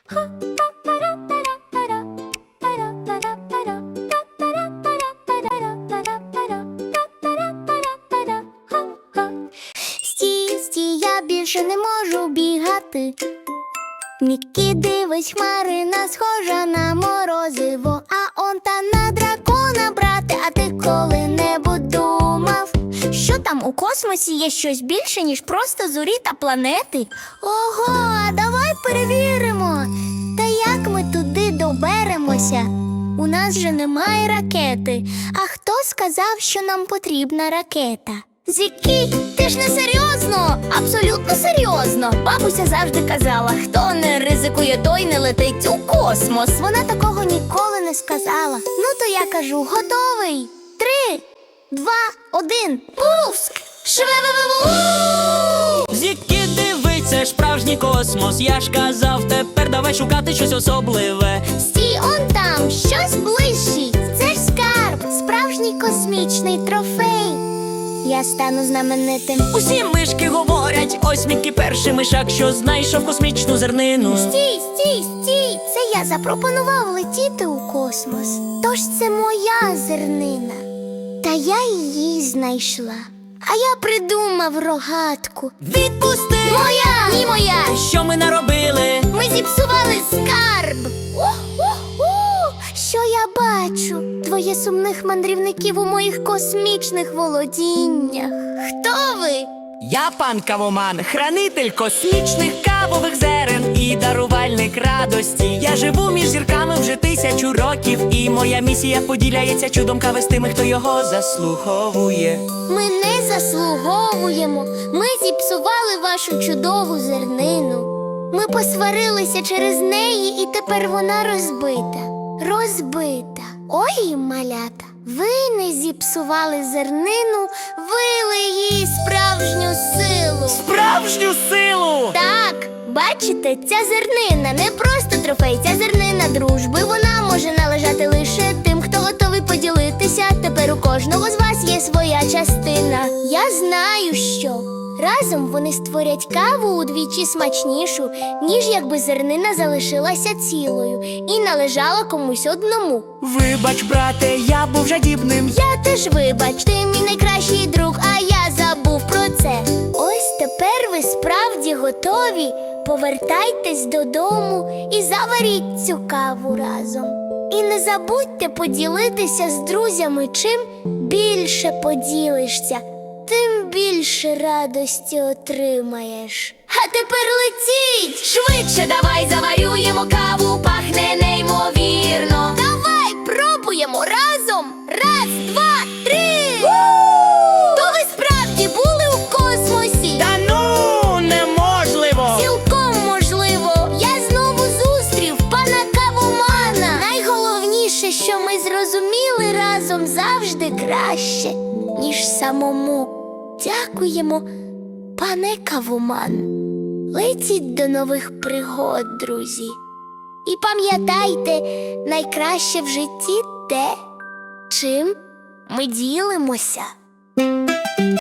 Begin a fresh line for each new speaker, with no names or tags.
Стій, стій, я більше не можу бігати. Мікі, дивись, хмарина схожа на морозиво, а он та на дракона, брате. А ти коли-небудь думав, що там у космосі є щось більше, ніж просто зорі та планети? Ого, а давай перевіримо. Та як ми туди доберемося? У нас же немає ракети. А хто сказав, що нам потрібна ракета? Зікі, ти ж не серйозно? Абсолютно серйозно. Бабуся завжди казала, хто не ризикує, той не летить у космос. Вона такого ніколи не сказала. Ну то я кажу, готовий? 3, 2, 1, пуск! Шве-ве-ве-ву!
Зікі, диви, це ж справжній космос. Я ж казав, тепер давай шукати щось особливе.
Стій, он там, щось блищить. Це ж скарб, справжній космічний трофей. Я стану знаменитим.
Усі мишки говорять, ось Мікі перший мишак, що знайшов космічну зернину.
Стій, стій, стій! Це я запропонував летіти у космос. Тож це моя зернина. Та я її знайшла. А я придумав рогатку.
Відпусти!
Моя! Ні, моя!
Що ми наробили?
Ми зіпсували скарб. Що я бачу? Двоє сумних мандрівників у моїх космічних володіннях. Хто ви?
Я пан Кавоман, хранитель космічних кавових зерен і дарувальник радості. Я живу між зірками вже 1000 років, і моя місія поділяється чудом кави з тими, хто його заслуговує.
Ми не заслуговуємо. Ми зіпсували вашу чудову зернину. Ми посварилися через неї, і тепер вона розбита. Розбита. Ой, малята, ви не зіпсували зернину, вили їй справжню силу.
Справжню силу!
Так, бачите, ця зернина не просто трофей, ця зернина дружби. Вона може належати лише тим, хто готовий поділитися. Тепер у кожного з вас є своя частина. Я знаю, що разом вони створять каву удвічі смачнішу, ніж якби зернина залишилася цілою і належала комусь одному.
Вибач, брате, я був жадібним.
Я теж вибач, ти мій найкращий друг, а я забув про це. Ось тепер ви справді готові. Повертайтесь додому і заваріть цю каву разом. І не забудьте поділитися з друзями. Чим більше поділишся, тим більше радості отримаєш. А тепер летіть! Швидше давай заварюємо каву, пахне неймовірно. Давай пробуємо разом. 1, 2, 3! То ви справді були у космосі?
Та ну, неможливо!
Цілком можливо. Я знову зустрів пана Кавомана. Найголовніше, що ми зрозуміли, разом завжди краще, ніж самому. Дякуємо, пане Кавоман. Летіть до нових пригод, друзі. І пам'ятайте, найкраще в житті те, чим ми ділимося.